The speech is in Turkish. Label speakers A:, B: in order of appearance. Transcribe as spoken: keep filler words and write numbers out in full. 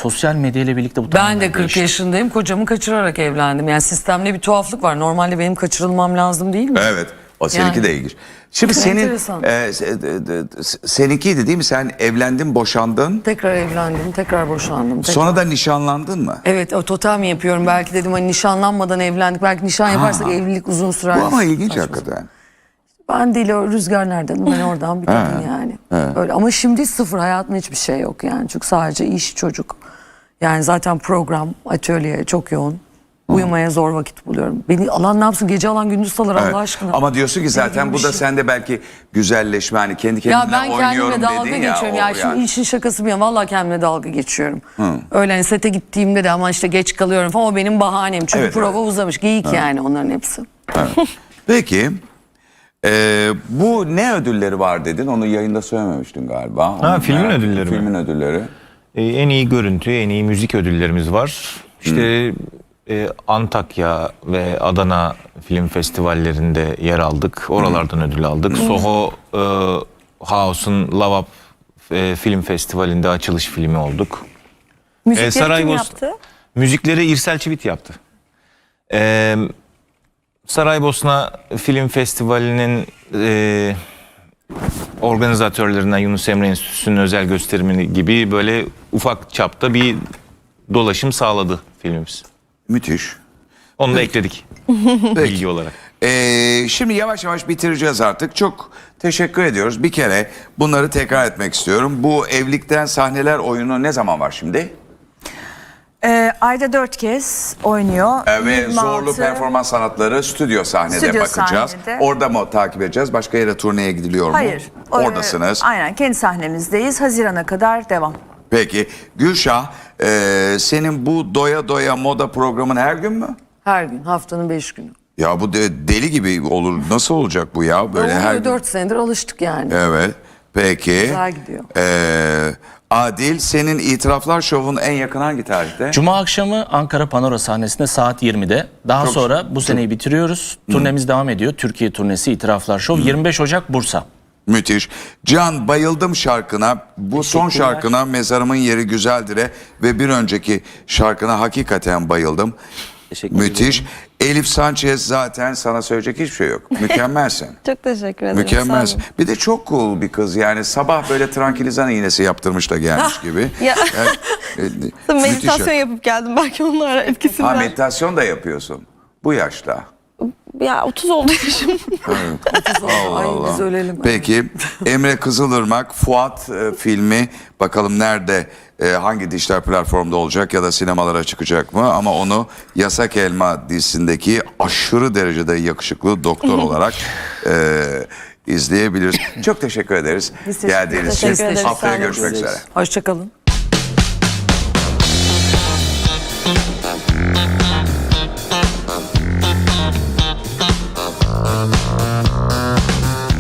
A: sosyal medya ile birlikte bu
B: Ben
A: tamamen
B: de kırk
A: değişti.
B: yaşındayım. Kocamı kaçırarak evlendim. Yani sistemde bir tuhaflık var. Normalde benim kaçırılmam lazım değil mi?
C: Evet. O seninki
B: Yani.
C: de ilginç. Şimdi
B: Çok
C: senin
B: enteresan.
C: e, se- e, seninkiydi değil mi? Sen evlendin, boşandın.
B: Tekrar evlendim, tekrar boşandım. Tekrar.
C: Sonra da nişanlandın mı?
B: Evet, o totem mi yapıyorum? Belki dedim hani nişanlanmadan evlendik. Belki nişan yaparsak
C: Ha.
B: evlilik uzun sürer.
C: Bu ama ilginç
B: Saçma.
C: hakikaten.
B: Ben değil, o rüzgar nereden? Ben oradan bir kadın yani. Öyle. Ama şimdi sıfır, hayatımda hiçbir şey yok yani. Çünkü sadece iş, çocuk. Yani zaten program, atölye çok yoğun. Uyumaya zor vakit buluyorum. Beni alan ne yapsın? Gece alan gündüz salır
C: Evet.
B: Allah aşkına.
C: Ama diyorsun ki zaten bu da
B: şey.
C: sende belki güzelleşme, hani kendi kendine
B: Ya ben
C: oynuyorum
B: kendime dalga
C: dedin ya.
B: geçiyorum.
C: o
B: Ya, şimdi işin şakası bir yana. Vallahi kendime dalga geçiyorum. Öyle hani sete gittiğimde de ama işte geç kalıyorum falan. O benim bahanem. Çünkü
C: Evet,
B: prova
C: evet.
B: uzamış. Geyik yani onların hepsi.
C: Peki e, bu ne ödülleri var dedin? Onu yayında söylememiştin galiba.
D: Ha,
C: Onu
D: filmin
C: merak-
D: ödülleri mi?
C: Filmin ödülleri.
D: Ee, en iyi görüntü, en iyi müzik ödüllerimiz var. İşte e, Antakya ve Adana film festivallerinde yer aldık. Oralardan ödül aldık. Soho e, House'un Love Up e, film festivalinde açılış filmi olduk.
E: Müzikleri kim
D: Saraybos-
E: yaptı?
D: Müzikleri İrsel Çivit yaptı. Ee, Saraybosna Film Festivali'nin e, organizatörlerinden Yunus Emre Enstitüsü'nün özel gösterimini gibi böyle ufak çapta bir dolaşım sağladı filmimiz.
C: Müthiş.
D: Onu da ekledik bilgi olarak.
C: Ee, şimdi yavaş yavaş bitireceğiz artık. Çok teşekkür ediyoruz. Bir kere bunları tekrar etmek istiyorum. Bu Evlilikten Sahneler oyunu ne zaman var şimdi?
E: Ee, ayda dört kez oynuyor.
C: Ee, ve
E: yirmi
C: Zorlu
E: altı
C: Performans Sanatları stüdyo sahnede
E: Stüdyo
C: bakacağız.
E: sahnede.
C: Orada mı takip edeceğiz? Başka yere turneye gidiliyor mu?
E: Hayır. o-
C: Oradasınız.
E: Aynen, kendi sahnemizdeyiz. Haziran'a kadar devam.
C: Peki Gülşah, e, senin bu doya doya moda programın her gün mü?
B: Her gün, haftanın beş günü.
C: Ya bu de, deli gibi olur. Nasıl olacak bu ya? Böyle
B: Oluyor,
C: her gün.
B: dört senedir alıştık yani.
C: Evet. Peki.
B: Güzel gidiyor.
C: Ee, Adil, senin İtiraflar Şov'un en yakın hangi tarihte?
A: Cuma akşamı Ankara Panora sahnesinde saat yirmide. Daha
C: Çok-
A: sonra bu seneyi bitiriyoruz. Turnemiz devam ediyor. Türkiye turnesi İtiraflar Şov. yirmi beş Ocak Bursa.
C: Müthiş. Can, bayıldım şarkına. Bu son
A: Teşekkürler.
C: şarkına Mezarımın Yeri Güzeldir'e ve bir önceki şarkına hakikaten bayıldım.
A: Teşekkür
C: Müthiş.
A: ederim.
C: Elif Sanchez, zaten sana söyleyecek hiçbir şey yok. Mükemmelsin.
E: Çok teşekkür ederim.
C: Mükemmelsin. Bir de çok cool bir kız yani, sabah böyle tranquilizan iğnesi yaptırmış da gelmiş gibi.
E: Ya.
C: Yani, e,
E: Meditasyon
C: müthiş.
E: yapıp geldim, belki onlar
C: Ha,
E: etkisinden.
C: meditasyon da yapıyorsun bu yaşta.
E: Ya otuz oldu yaşım.
C: Allah
B: Ay
C: Allah.
B: biz ölelim.
C: Peki Emre Kızılırmak, Fuat e, filmi bakalım nerede, e, hangi dijital platformda olacak ya da sinemalara çıkacak mı? Ama onu Yasak Elma dizisindeki aşırı derecede yakışıklı doktor olarak e, izleyebiliriz. Çok teşekkür ederiz
B: Biz teşekkür
C: geldiğiniz için.
B: ederiz. Teşekkür ederiz.
C: Haftaya
B: Sağ olun.
C: görüşmek üzere.
B: Hoşça kalın.